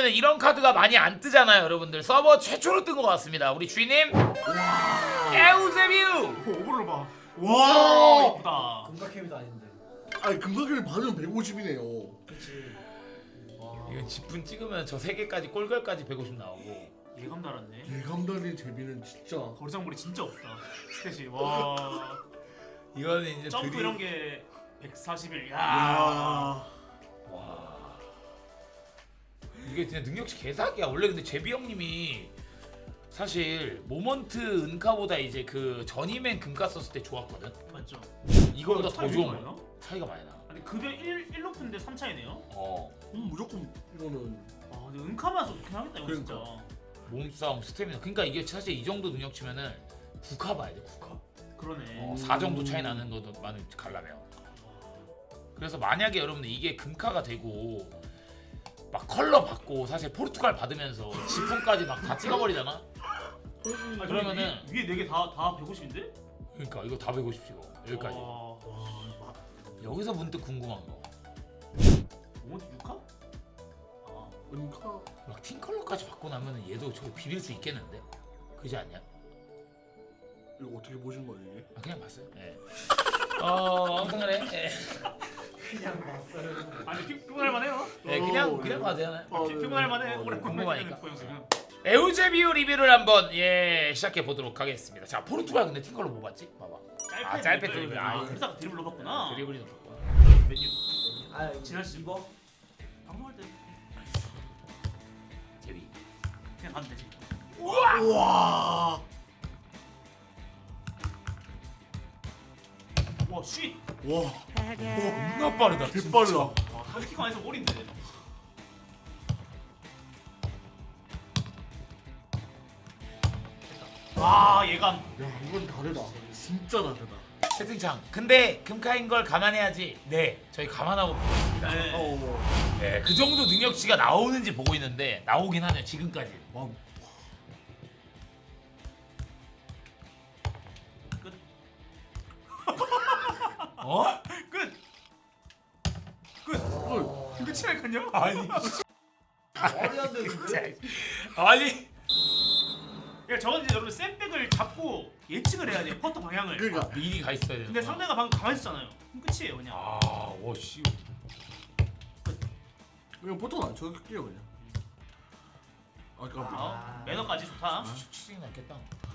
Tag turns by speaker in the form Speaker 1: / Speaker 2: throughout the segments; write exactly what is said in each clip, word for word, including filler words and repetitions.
Speaker 1: 왜냐면 이런 카드가 많이 안 뜨잖아요 여러분들. 서버 최초로 뜬 것 같습니다. 우리 주인님 에우세비우.
Speaker 2: 오버를 봐.
Speaker 3: 와
Speaker 2: 이쁘다.
Speaker 4: 금각캠이도 아닌데.
Speaker 3: 아니 금강길을 받으면 백오십이네요.
Speaker 4: 그렇지. 와.
Speaker 1: 이건 지분 찍으면 저 세 개까지 꼴결까지 백오십 나오고.
Speaker 2: 예감 달았네.
Speaker 3: 예감 달린 제비는 진짜
Speaker 2: 거리장물이 진짜 없다. 스탯이 와.
Speaker 1: 이거는 이제
Speaker 2: 점프
Speaker 1: 드리...
Speaker 2: 이런 게 백사십일. 야.
Speaker 3: 야
Speaker 1: 와 이게 진짜 능력치 개사기야. 원래 근데 제비 형님이 사실 모먼트 은카보다 이제 그 전이맨 금가 썼을 때 좋았거든.
Speaker 2: 맞죠?
Speaker 1: 이거보다 더
Speaker 2: 차이
Speaker 1: 좋은
Speaker 2: 많이
Speaker 1: 거야.
Speaker 2: 나?
Speaker 1: 차이가 많이 나.
Speaker 2: 아니 급여 일, 일 높은데 삼 차이네요?
Speaker 1: 어
Speaker 3: 음, 무조건 이거는
Speaker 2: 아 근데 은카만 써도 좋긴 하겠다 이거
Speaker 3: 그러니까.
Speaker 2: 진짜.
Speaker 1: 몸싸움 스태미나. 그러니까 이게 사실 이 정도 능력치면은 국화 봐야 돼 국화.
Speaker 2: 그러네.
Speaker 1: 어, 사 정도 차이 나는 것도 많이 갈라면. 그래서 만약에 여러분들 이게 금카가 되고 막 컬러 받고 사실 포르투갈 받으면서 지품까지 막 다 찍어버리잖아.
Speaker 2: 아니,
Speaker 1: 그러면은
Speaker 2: 위에 네 개 다 다 백오십인데?
Speaker 1: 그러니까 이거 다 백오십 찍어 여기까지.
Speaker 2: 와.
Speaker 1: 여기서 문득 궁금한 거.
Speaker 2: 모먼트 육 카? 아.
Speaker 3: 은카
Speaker 1: 막 팀 컬러까지 받고 나면은 얘도 저거 비빌 수 있겠는데? 그지 않냐?
Speaker 3: 이거 어떻게 보신 거예요 이게?
Speaker 1: 아 그냥 봤어요. 예. 어 아무튼 간에 예.
Speaker 4: 그냥 봤어요.
Speaker 2: 아니 피- 피곤할 만해요.
Speaker 1: 예, 그냥
Speaker 3: 어,
Speaker 1: 그냥
Speaker 3: 네.
Speaker 1: 봐도 되나요?
Speaker 3: 어,
Speaker 2: 피-
Speaker 3: 네,
Speaker 2: 피곤할
Speaker 3: 네.
Speaker 2: 만해.
Speaker 3: 어, 네.
Speaker 2: 오래
Speaker 1: 궁금하니까.
Speaker 2: 보영 지금.
Speaker 1: 에우제비우 리뷰를 한번 예 시작해 보도록 하겠습니다. 자 포르투갈 근데 팀 컬러 뭐 봤지? 봐봐. 아, 짧게 드리블.
Speaker 2: 아,
Speaker 1: 아,
Speaker 2: 그래서 드리블로 봤구나.
Speaker 1: 드리블이 높았구나.
Speaker 2: 메뉴.
Speaker 4: 아
Speaker 2: 지난 시-
Speaker 4: 이거
Speaker 2: 방송할 때
Speaker 1: 제비.
Speaker 2: 그냥 가면 되지.
Speaker 3: 우와
Speaker 2: 와 쉿.
Speaker 3: 와
Speaker 1: 겁나 빠르다.
Speaker 3: 개빨라.
Speaker 2: 와 타겟팅 안에서 올인데. 와 예감.
Speaker 3: 야 이건 다르다. 진짜 다르다.
Speaker 1: 채팅창. 근데 금카인 걸 감안해야지. 네, 저희 감안하고 있습니다.
Speaker 2: 네.
Speaker 3: 어.
Speaker 1: 네, 그 정도 능력치가 나오는지 보고 있는데 나오긴 하네요 지금까지.
Speaker 3: 와.
Speaker 2: 끝.
Speaker 1: 어?
Speaker 2: 끝. 끝.
Speaker 3: 어.
Speaker 2: 끝이라니까요?
Speaker 1: 아니,
Speaker 4: 말이 안 되는데.
Speaker 1: 아니.
Speaker 2: 그러니까 저건 이제 여러분 샌백을 잡고 예측을 해야 돼요 퍼터 방향을.
Speaker 3: 그러니까
Speaker 1: 미리 가 있어야 되는.
Speaker 2: 근데 상대가 방금 가만히 있었잖아요. 그럼 끝이에요 그냥.
Speaker 1: 아, 와 씨.
Speaker 3: 그냥 보통 안 쳐줄게요 그냥. 아 깜짝.
Speaker 2: 아, 매너까지 좋다.
Speaker 1: 추측이 났겠다.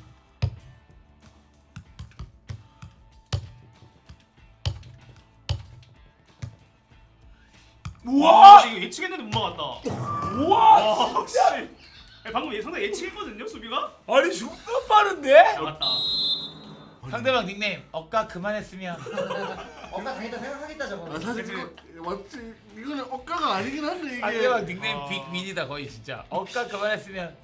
Speaker 2: 우와! 이거 예측했는데 못 막았다.
Speaker 1: 우와,
Speaker 2: 와, 씨. 아니, 방금 예- 상대 예측했거든요 수비가.
Speaker 1: 아니 존나 빠른데?
Speaker 2: 나갔다.
Speaker 1: 상대방 닉네임 억까 그만했으면.
Speaker 4: 엄마 당했다 생각하겠다
Speaker 3: 아
Speaker 4: 저거.
Speaker 3: 사실 이거 맞지. 이거는 억가가 아니긴 한데 이게.
Speaker 1: 상대방 닉네임
Speaker 2: 아.
Speaker 1: 빅민이다 거의 진짜. 억까 그만했으면.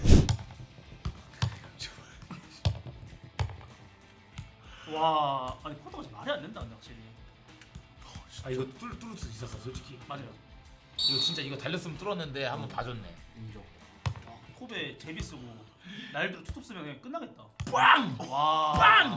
Speaker 2: 와, 아니 퍼터가 지금 말이 안 된다 근데 확실히.
Speaker 1: 아 이거 뚫 뚫을 수 있었어 솔직히.
Speaker 2: 맞아요.
Speaker 1: 이거 진짜 이거 달렸으면 뚫었는데 한번 봐줬네.
Speaker 3: 인정.
Speaker 2: 아, 컵에 제비 쓰고 날들어 투톱 쓰면 그냥 끝나겠다.
Speaker 1: 빵!
Speaker 2: 와.
Speaker 1: 빵!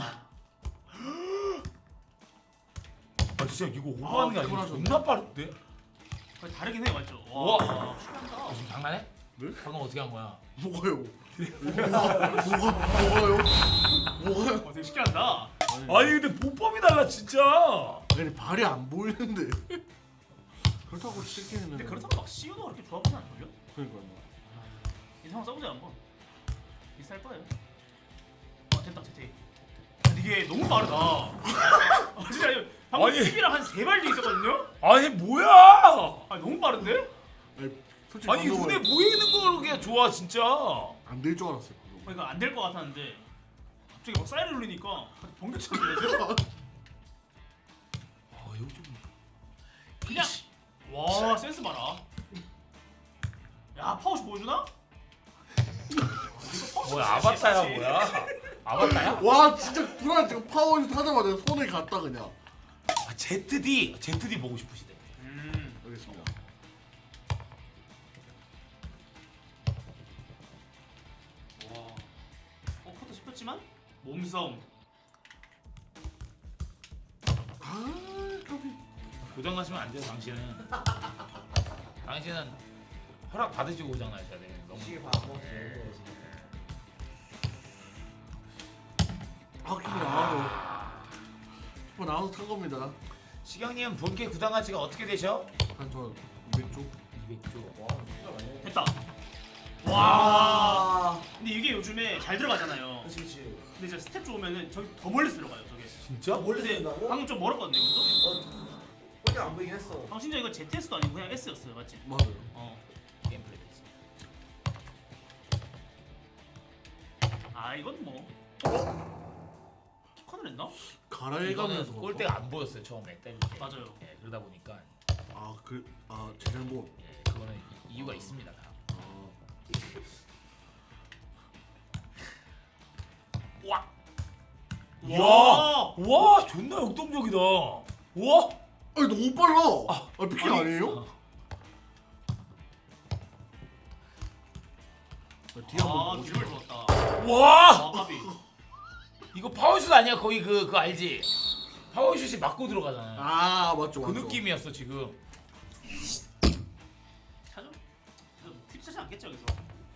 Speaker 1: 아 진짜 이거 오버하는 게 아니라
Speaker 3: 아,
Speaker 1: 존나 빠른데?
Speaker 2: 거의 다르긴 해 맞죠?
Speaker 1: 우와.
Speaker 2: 와, 신기하다.
Speaker 1: 아, 지금 장난해?
Speaker 3: 네?
Speaker 1: 방금 어떻게 한 거야?
Speaker 3: 뭐가요? 뭐가 뭐가 뭐가요? 뭐가요?
Speaker 2: 어, 되게 신기하다.
Speaker 1: 아니 근데 보법이 달라 진짜.
Speaker 3: 아니 발이 안 보이는데. 그렇다고 시키는.
Speaker 2: 근데 그렇다고 막 씨유도 그렇게 좋아 보이지 않을걸요?
Speaker 3: 그러니까요.
Speaker 2: 이 상황 써보자 한번. 비쌀 거예요. 아 됐다 제태. 이게 너무 빠르다. 아, 진짜 이거 방금
Speaker 1: 아니.
Speaker 2: 수비랑 한 세 발 뒤 있었거든요?
Speaker 1: 아니 뭐야?
Speaker 2: 아 너무 빠른데?
Speaker 3: 아니 솔직히
Speaker 1: 아니 눈에 보이는 거 그게 좋아 진짜.
Speaker 3: 안될 줄 알았어요. 방금.
Speaker 2: 어, 이거 안 될 것 같았는데 갑자기 막 사이렌 울리니까 번개처럼 들려서
Speaker 1: 아 여기 좀.
Speaker 2: 그냥 와 센스 봐라. 야 파워시 보여주나?
Speaker 1: 뭐야 아바타야 뭐야? 아바타야?
Speaker 3: 와 진짜 불안 지금 파워에서 타자마자 손을 갔다 그냥.
Speaker 1: 아 제트디 제트디 보고 싶으시대.
Speaker 2: 음.
Speaker 3: 알겠습니다.
Speaker 2: 와. 어 커터 씹혔지만 몸싸움.
Speaker 3: 아 까비.
Speaker 1: 고장 나시면 안 돼요 당신은. 당신은 허락 받으시고 오잖아요, 다들. 너무.
Speaker 4: 시계 밥안 먹지.
Speaker 3: 아 키퍼 나와서 키퍼 나와서 탄 겁니다.
Speaker 1: 시경님 본캐 구단 가치가 어떻게 되셔?
Speaker 3: 한저 이백 조.
Speaker 1: 이백 조.
Speaker 4: 와 진짜 많이 해.
Speaker 2: 됐다.
Speaker 3: 아.
Speaker 2: 와. 근데 이게 요즘에 잘 들어가잖아요.
Speaker 4: 그렇지 그렇지.
Speaker 2: 근데 이제 스텝 좋으면은 저기 더 멀리서 들어가요. 저게.
Speaker 1: 진짜?
Speaker 4: 멀리
Speaker 2: 근데
Speaker 4: 된다고?
Speaker 2: 방금 좀 멀었거든요, 이것도.
Speaker 4: 어. 어디 안 보이긴 했어.
Speaker 2: 방금 심지어 이거 제트에스도 아니고 그냥 S였어요, 맞지?
Speaker 3: 맞아요.
Speaker 2: 어.
Speaker 1: 게임 플레이 됐어.
Speaker 2: 아 이건 뭐. 키컨을 했나?
Speaker 3: 갈아해가면서
Speaker 1: 이거는 골대가 안 보였어요 처음에 때릴 때.
Speaker 2: 맞아요.
Speaker 1: 예, 그러다 보니까
Speaker 3: 아그아 제잘못.
Speaker 1: 예, 그거는 이- 이유가 있습니다. 다.
Speaker 3: 아.
Speaker 1: 와.
Speaker 2: 와.
Speaker 1: 와, 존나 역동적이다. 와.
Speaker 3: 아니 너무 빨라.
Speaker 1: 아,
Speaker 3: 아 피킹
Speaker 1: 아니,
Speaker 3: 아니에요? 아, 뒤에
Speaker 2: 아
Speaker 3: 한번
Speaker 2: 기름을
Speaker 3: 보여줘.
Speaker 2: 줬다.
Speaker 1: 와.
Speaker 2: 아 까비.
Speaker 1: 이거 파워슛 아니야? 거의 그 그거 알지? 파워슛이 맞고 들어가잖아.
Speaker 3: 아 맞죠
Speaker 1: 그
Speaker 3: 맞죠.
Speaker 1: 느낌이었어 지금.
Speaker 2: 차죠? 퀴즈 차지 않겠죠 여기서?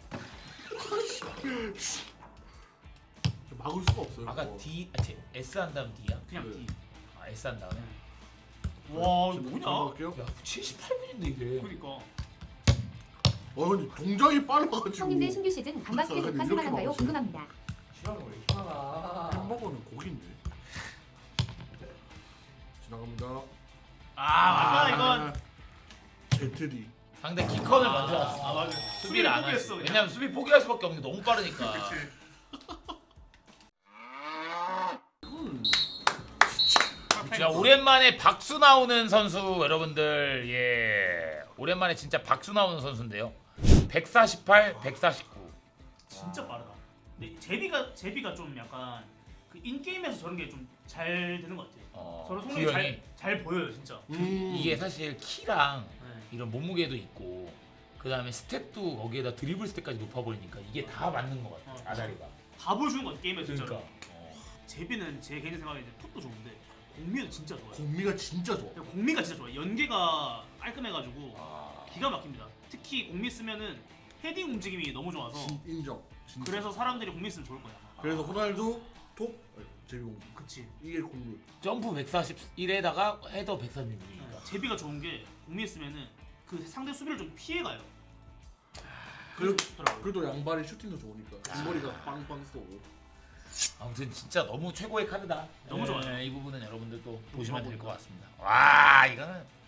Speaker 3: 막을 수가 없어요.
Speaker 1: 아까
Speaker 3: 그거.
Speaker 1: D, 아, T, S 한 다음 D야?
Speaker 2: 그냥
Speaker 3: 네.
Speaker 2: D.
Speaker 1: 아 S 한 다음에.
Speaker 2: 와 이거
Speaker 3: 지금
Speaker 2: 뭐냐?
Speaker 3: 들어갈게요.
Speaker 1: 야, 칠십팔 분인데 이게.
Speaker 2: 그러니까.
Speaker 3: 어 근데 동작이 빨라가지고.
Speaker 5: 형님들 신규 시즌 반바스켓
Speaker 3: 그래서
Speaker 5: 녹화
Speaker 3: 이렇게
Speaker 5: 생각한가요?
Speaker 3: 막았어요.
Speaker 5: 궁금합니다.
Speaker 4: 싫어하는 거 이렇게 많아.
Speaker 3: 햄버거는 고기인데. 지나갑니다.
Speaker 2: 아 맞다 이건.
Speaker 3: 제트디.
Speaker 1: 상대 키컨을 만들었어.
Speaker 2: 아 맞아.
Speaker 1: 수비를 안 하지. 왜냐면 수비 포기할 수밖에 없는 게 너무 빠르니까.
Speaker 3: 음.
Speaker 1: 자, 오랜만에 박수 나오는 선수 여러분들. 예. 오랜만에 진짜 박수 나오는 선수인데요. 백사십팔, 백사십구.
Speaker 2: 진짜 빠르다. 근데 제비가 제비가 좀 약간 그 인게임에서 저런 게 좀 잘 되는 것 같아요.
Speaker 1: 어,
Speaker 2: 저런 성능이
Speaker 1: 구현이.
Speaker 2: 잘, 잘 보여요 진짜.
Speaker 3: 음.
Speaker 1: 이게 사실 키랑
Speaker 2: 네.
Speaker 1: 이런 몸무게도 있고 그다음에 스텝도 거기에다 드리블 스텝까지 높아버리니까 이게 다 맞는 것 같아.
Speaker 2: 어.
Speaker 1: 아다리가.
Speaker 2: 다 보여주는 것 같아 게임에서 진짜로.
Speaker 1: 그러니까. 어.
Speaker 2: 제비는 제 개인 생각에 이제 톱도 좋은데 공미도 진짜 좋아요.
Speaker 3: 공미가 진짜 좋아.
Speaker 2: 그러니까 공미가 진짜 좋아요. 연계가 깔끔해가지고
Speaker 1: 아.
Speaker 2: 기가 막힙니다. 특히 공미 쓰면은 헤딩 움직임이 너무 좋아서
Speaker 3: 진, 인정. 진짜.
Speaker 2: 그래서 사람들이 공미 쓰면 좋을 거야. 아마.
Speaker 3: 그래서 호날두 톱 제비공.
Speaker 2: 그치.
Speaker 3: 이게 공미.
Speaker 1: 점프 백사십일에다가 헤더 백사십육이니까.
Speaker 2: 네. 제비가 좋은 게 공미 쓰면은 그 상대 수비를 좀 피해가요.
Speaker 3: 그래도
Speaker 2: 좋더라고요.
Speaker 3: 그래도 양발이 슈팅도 좋으니까 뒷머리가 빵빵 쏘고.
Speaker 1: 아무튼 진짜 너무 최고의 카드다.
Speaker 2: 너무 좋아요.
Speaker 1: 이 부분은 여러분들도
Speaker 3: 음,
Speaker 1: 보시면 될 것 같습니다. 와, 이거는